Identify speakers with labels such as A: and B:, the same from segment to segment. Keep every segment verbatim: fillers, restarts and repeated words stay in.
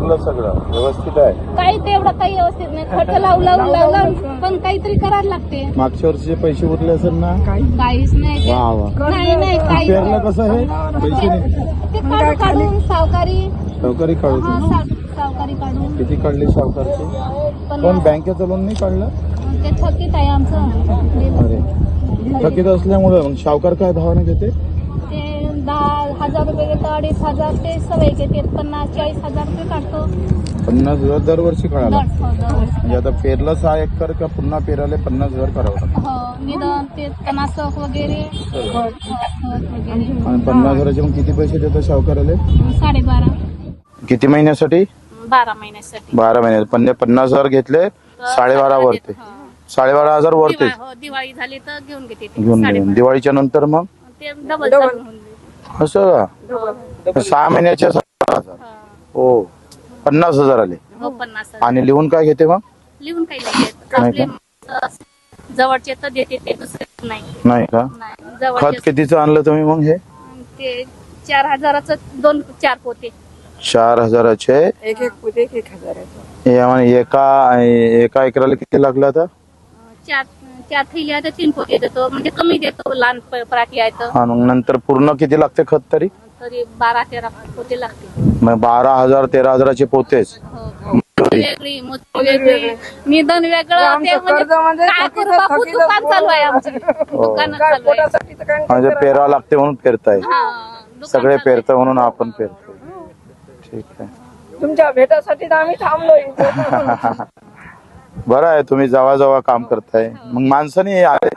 A: चांगलं सगळं व्यवस्थित आहे.
B: काही तेवढं काही व्यवस्थित नाही. खर्च लावून लावून लावून पण काहीतरी करायला लागते.
A: मागच्या वर्षीचे पैसे उरले असेल ना?
B: काहीच नाही.
A: वा वा.
B: नाही नाही काही
A: पेरलं कसं हे पैसे नाही
B: ते काढून काढून सावकारी
A: सावकारी काढू.
B: हा, साव- सावकारी काढून
A: किती काढली सावकारची?
B: पण
A: पण बँकेचं लोन नाही काढलं?
B: ते थकीत आहे आमचं.
A: अरे थकीत असल्यामुळे मग सावकार काय भावाने घेते?
B: ते दहा हजार रुपये घेतो, अडीच हजार ते सवय घेते. पन्नास चाळीस हजार रुपये काढतो.
A: पन्नास हजार दरवर्षी काढायला.
B: दर- हो, दरवर्षी.
A: म्हणजे आता पेरलं सहा एकर का पुन्हा पेरायला पन्नास हजार करावं लागतं.
B: हो निदान ते तणासक वगैरे खत वगैरे.
A: आणि पन्नास हजाराचे मग किती पैसे देतो सावकाराले?
B: साडेबारा
A: किती महिन्यासाठी?
B: बारा महिन्यासाठी.
A: बारा महिने पण पन्नास हजार घेतले साडेबारा वरते.
B: हो.
A: साडेबारा हजार वरते
B: दिवा- हो, दिवाळी झाली तर घेऊन घेते ते.
A: घेऊन
B: साडेबारा.
A: घेऊन दिवाळीच्या नंतर मग
B: ते डबल चालू होऊन जाईल.
A: असं का? सहा महिन्याच्या सहा हजार. हो पन्नास हजार आले.
B: हो पन्नास
A: आणि लिहून काय घेते मग?
B: लिहून काही नाही देत.
A: नाही
B: आपले जवळचे तर देते ते, दुसरे नाही.
A: नाही का?
B: नाही
A: खत
B: जवळचे
A: कितीचं आणलं तुम्ही मग? हे
B: ते चार हजाराचं दोन चार पोते.
A: चार हजाराचे
C: एक एक पोते एक एक हजार
A: हे आम्हाला एका एका एकराला किती लागलं आता?
B: चार चार थैली आहे तर तीन पोते देतो, म्हणजे कमी देतो. लहान प- पराठी आहे तर
A: हा मग नंतर पूर्ण किती लागते खत तरी?
B: तरी बारा तेरा पोते लागते.
A: मग बारा हजार तेरा हजाराचे पोतेच.
B: हो. वेगळी मोठी वेगळी निधन वेगळं. ते
C: आमचं कर्ज म्हणजे
B: काय
C: थकीत-
B: करू बापू,
C: थकीत
B: दुकान
C: असतो.
B: चालू आहे आमचं. दुकान
C: काय
B: चालू आहे.
C: पोटासाठी तर काय
A: म्हणजे पेरावं लागते म्हणून पेरताय.
B: हा, दुकान
A: सगळे
B: चालू आहे.
A: पेरतं म्हणून आपण पेरतो. ठीक आहे.
C: तुमच्या भेटासाठी तर आम्ही थांबलो इथे.
A: बरं आहे तुम्ही जवळ जवळ काम करताय. मग माणसाने आले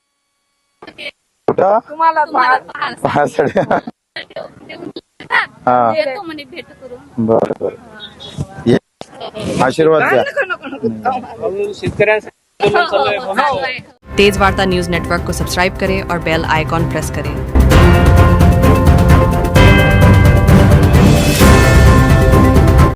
A: कुठं
C: तुम्हाला
B: तुम्हाला
A: पाहण्यासाठी. हा
B: येतो म्हणे भेट करून.
A: बर बर ये. आशीर्वाद द्या.
B: चालू आहे.
D: तेज वार्ता न्यूज नेटवर्क को सब्सक्राइब करें और बेल आइकॉन प्रेस करें।